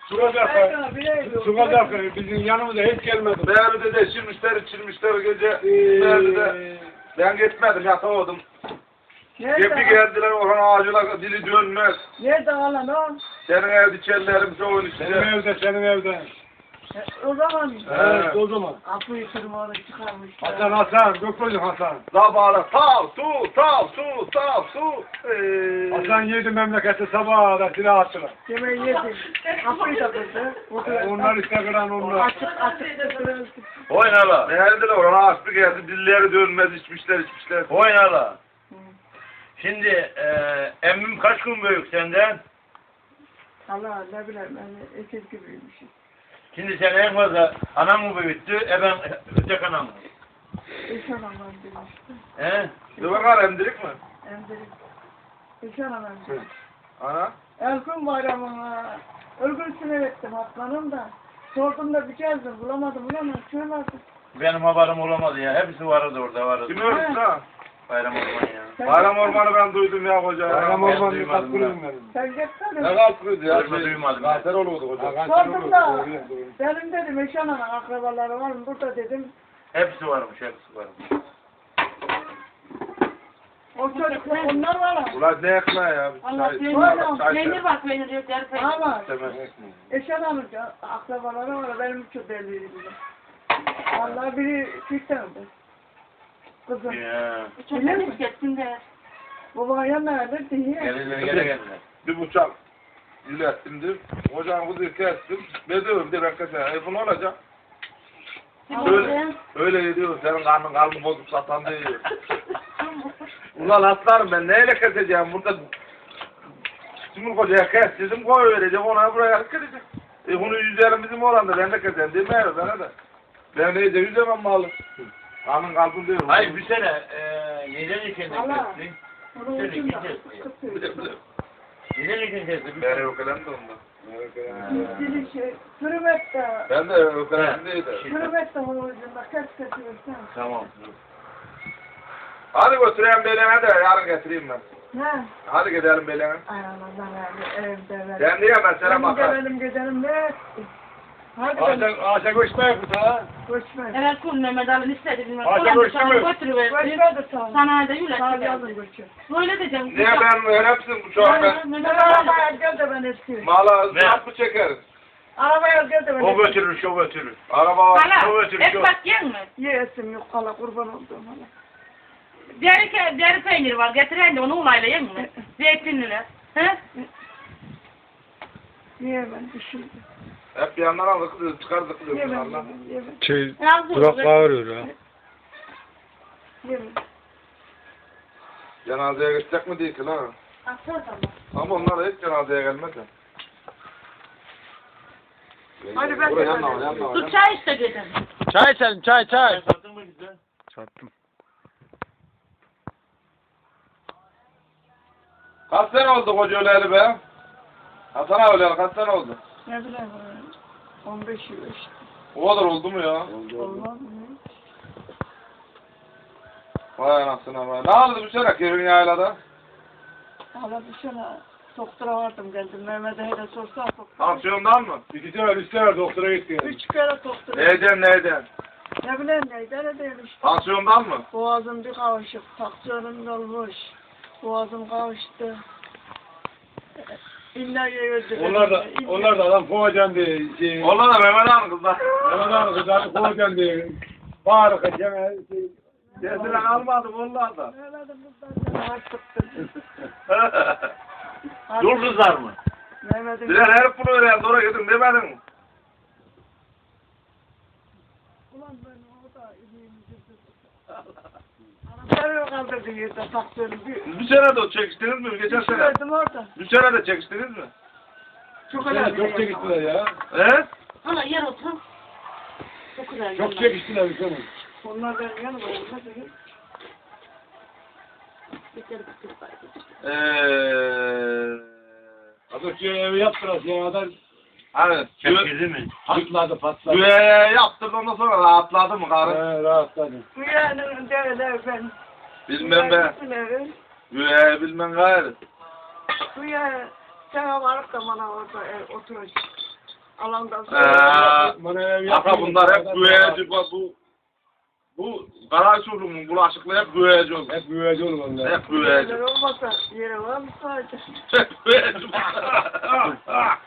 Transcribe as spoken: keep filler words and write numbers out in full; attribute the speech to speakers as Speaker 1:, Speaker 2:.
Speaker 1: Su kadar su kadar bizim yanımıza hiç gelmedi.
Speaker 2: Mevlüt'e de içirmişler içirmişler gece. Mevlüt'e ben gitmedim yatamadım. Gepi geldiler Orhan ağacına dili dönmez.
Speaker 3: Nerede alan o?
Speaker 2: Senin evde içerlerim çoğun içinde.
Speaker 1: Senin evde senin evde.
Speaker 3: O zaman
Speaker 1: Evet o zaman.
Speaker 3: Apo'yu tırmanı çıkarmışlar.
Speaker 1: Hasan Hasan doktorcu Hasan.
Speaker 2: Sabahla sağ su sağ su sağ su. Ee...
Speaker 1: Hasan yedi memleketi sabaha da silah attılar.
Speaker 3: Yemeği yedi. Apo'yu da kırdı.
Speaker 1: Onlar işte kıran onlar.
Speaker 3: Açık açık kırıldı.
Speaker 2: Oynala. Neredeler Orhan ağaçlı geldi dilleri dönmez içmişler içmişler.
Speaker 4: Oynala. Şimdi e, emmim kaç gün büyük senden?
Speaker 3: Allah ne bileyim ben ekiz gibiymişim.
Speaker 4: Şimdi sen en fazla anan mı büyüttü, eben ötek anan mı?
Speaker 3: Eşan anam demişti.
Speaker 4: He?
Speaker 2: Dur bakar emdirik mi?
Speaker 3: Emdirik. Eşan anam demiş.
Speaker 2: Ana.
Speaker 3: Erkun bayramına örgün sinir ettim atlanım da. Sordum da bir gezdim bulamadım bulamadım. Şöyle artık.
Speaker 4: Benim haberim olamadı ya, hepsi vardı orada vardı.
Speaker 2: Kim öldü lan?
Speaker 4: Bayram Orman ya.
Speaker 2: Bayram Ormanı ben duydum ya hoca.
Speaker 1: Bayram
Speaker 4: Ben
Speaker 1: Orman'ı
Speaker 4: duymadım
Speaker 1: katkılıyım benim.
Speaker 3: Sen gitsene.
Speaker 2: Ne kalkıyordu ya?
Speaker 4: Görme duymadım ben.
Speaker 2: Kanser olurdu hoca.
Speaker 3: Sordum da benim dedim Eşan anam akrabaları var mı burada dedim.
Speaker 4: Hepsi varmış, hepsi varmış.
Speaker 3: O çocuklar onlar var ama.
Speaker 2: Ulan ne ekmeği ya?
Speaker 5: Allah
Speaker 2: Çay-
Speaker 5: peynir,
Speaker 2: çay-
Speaker 5: peynir var, peynir yok, yarı peynir.
Speaker 3: Ama
Speaker 2: Demez.
Speaker 3: Eşan anam akrabaları var benim çok belliydi bile. Vallahi biri çıktı. Kızım.
Speaker 4: Ya.
Speaker 5: Uçaktan hiç geçsin de.
Speaker 3: Babana nerede diye.
Speaker 4: Gelirler, gene geldiler.
Speaker 2: Bir bıçak ilettimdir. Hocam kuzuyu kestim. Bedövüm de ben keser. E bu ne olacak? Öyle, öyle diyor. Senin karnın kalbin bozup satan diyor. Ulan atlarım ben neyle keseceğim burada? Simur kocaya kes dedim koy vereceğim ona buraya kesecek. E bunu yüzerim bizim oranda ben de keserim değil mi bana da? Ben neyse yüzemem malı. Karnın kalbin diyor.
Speaker 4: Hayır bir sene e, neden iken de
Speaker 3: Allah.
Speaker 4: kestin?
Speaker 3: Onun
Speaker 4: Şöyle
Speaker 3: için de
Speaker 4: gideceğiz.
Speaker 3: kıpkırmızı.
Speaker 4: Neden iken kestin?
Speaker 2: Ben ökelen de ondan.
Speaker 3: Dili şey, kırmet de,
Speaker 2: Ben de ökelen değildim.
Speaker 3: kırmet de onun ucunda kes kesiyorsan.
Speaker 4: Tamam.
Speaker 2: Hadi götüreyim belene de yarın getireyim ben.
Speaker 3: Ne?
Speaker 2: Hadi gidelim belene.
Speaker 3: Ay Allah'ım abi, evde ver.
Speaker 2: Ben diyemem sana
Speaker 3: Benim
Speaker 2: bakar.
Speaker 3: de benim gidelim ne? Hadi
Speaker 1: Ağaça,
Speaker 3: ben
Speaker 1: ağaça koşmaya kut ha.
Speaker 3: koşma.
Speaker 5: Evet, kul Mehmet Ali istedi bilmem.
Speaker 1: Hadi
Speaker 5: Ulan
Speaker 1: görüşürüz.
Speaker 5: sana götürüver.
Speaker 3: Koşma da sağ ol.
Speaker 5: Sana da yürek
Speaker 3: Sağ ol
Speaker 5: gider.
Speaker 3: yazın koşma.
Speaker 5: Böyle diyeceğim.
Speaker 2: Niye ben öğrensin bu şu an ben?
Speaker 3: Sen
Speaker 5: Mehmet Ali.
Speaker 3: arabaya gel de ben eski.
Speaker 2: Mala
Speaker 4: Ne?
Speaker 2: zat mı çekeriz?
Speaker 3: Arabaya gel de ben
Speaker 4: O
Speaker 3: eski.
Speaker 4: götürür, şu götürür.
Speaker 2: Araba var.
Speaker 4: O
Speaker 5: Hala,
Speaker 4: götürür,
Speaker 5: et
Speaker 4: şu.
Speaker 5: bak yen mi?
Speaker 3: Yesim yok hala kurban olduğum hala.
Speaker 5: Deri, deri peynir var, getiren de onu ulayla yen mi? Zeytinliler. He?
Speaker 3: Niye ben düşündüm?
Speaker 2: Hep bir yandan aldık, çıkardık
Speaker 3: Niye
Speaker 2: diyor
Speaker 3: ben
Speaker 2: Allah.
Speaker 3: Niye ben?
Speaker 1: Şey,
Speaker 5: Yazdım.
Speaker 1: durak bağırıyor ha.
Speaker 3: Niye ben?
Speaker 2: Cenazeye gidecek mi değil ki lan?
Speaker 5: Aksana
Speaker 2: Ama onlar hiç cenazeye gelmez ya.
Speaker 3: Hadi ben de
Speaker 2: Buraya
Speaker 3: ben
Speaker 2: yanma,
Speaker 3: de.
Speaker 2: yanma,
Speaker 5: Dur
Speaker 2: yanma.
Speaker 5: çay iste dedim.
Speaker 1: Çay içelim çay çay.
Speaker 4: Sattın mı güzel?
Speaker 1: Sattım.
Speaker 2: Kaç sene oldu koca öleli be? Hasan abi öleli kaç sene oldu?
Speaker 3: Ne bileyim ben. on beş yıl işte.
Speaker 2: O kadar oldu mu ya?
Speaker 3: Olmaz mı?
Speaker 2: Vay anasını be. Ne oldu bu sene Kevin yaylada?
Speaker 3: Hala bir sene doktora vardım geldim. Mehmet'e hele sorsa doktora.
Speaker 2: Tansiyondan mı?
Speaker 1: İki sefer üç sefer doktora gitti.
Speaker 3: Üç kere doktora.
Speaker 2: Neyden neyden?
Speaker 3: Ne bileyim neyden ne değil işte.
Speaker 2: Tansiyondan mı?
Speaker 3: Boğazım bir kavuşuk. Taksiyonum olmuş. Boğazım kavuştu. İlla yedirdi.
Speaker 1: Onlar da onlar da adam kovacan diye şey.
Speaker 2: Onlar da Mehmet Han kızlar.
Speaker 1: Mehmet abi kızarı kovacan diye. Bağırık edeceğim. Şey.
Speaker 2: Sesine kalmadım onlar da.
Speaker 3: Öyle de bundan da artıktım.
Speaker 4: Dur kızlar mı?
Speaker 3: Mehmet'in
Speaker 2: Diler her bunu öğren, doğru gidin demedin mi?
Speaker 3: ulan ben o da iyiyim. Nereye kaldırdı yerde taksiyonum bir.
Speaker 2: Bu sene de çekiştiniz mi? Geçen sene.
Speaker 3: Düşürdüm orada.
Speaker 2: Bu sene de çekiştiniz mi?
Speaker 3: Çok
Speaker 1: Yani
Speaker 3: önemli.
Speaker 1: çok çekiştiler ya.
Speaker 2: He?
Speaker 5: Hala yer otur. Çok güzel.
Speaker 1: Çok çekiştiler bir sene.
Speaker 3: Onlar benim yanıma olmaz mı?
Speaker 5: Bitir bitir bari.
Speaker 2: Eee...
Speaker 1: Adı şey evi yaptılar şey kadar
Speaker 2: Hani
Speaker 4: Çekildi mi?
Speaker 1: patladı patladı.
Speaker 2: güve yaptırdı ondan sonra rahatladı mı karı?
Speaker 1: He rahatladı.
Speaker 3: Bu yanın derler ben.
Speaker 2: Bilmem ben. Güve bilmem gayrı.
Speaker 3: Bu ya sana varıp da bana orada e, oturacak. Alandan
Speaker 2: Ee,
Speaker 3: sonra.
Speaker 1: Bana ev
Speaker 2: Ata bunlar hep güveyeci bu. Bu, bu Karaçurlu'nun bulaşıklı hep güveyeci olur.
Speaker 1: Hep büyüyeci olur onlar.
Speaker 2: Hep güveyeci.
Speaker 3: Olmasa yere var mı sadece?
Speaker 2: Hep güveyeci.